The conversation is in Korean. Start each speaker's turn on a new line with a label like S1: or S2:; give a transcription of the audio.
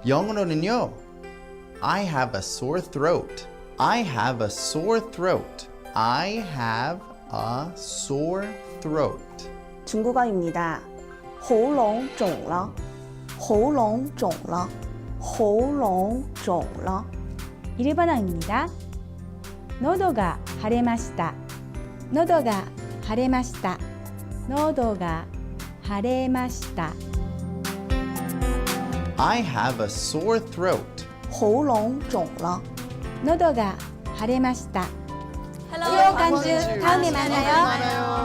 S1: 영어로는요. I have a sore throat. I have a sore throat. I have a sore throat.
S2: 중국어입니다. 喉咙肿了喉咙肿了喉咙肿了
S3: 일본어입니다. 노도가 하레마시다. 노도가 하레마시다. 노도가 하레마시다.
S1: I have a sore throat.
S2: 喉咙肿了
S3: 노도가 하레마시다.
S4: 헬로
S3: 간주 다음에 만나요.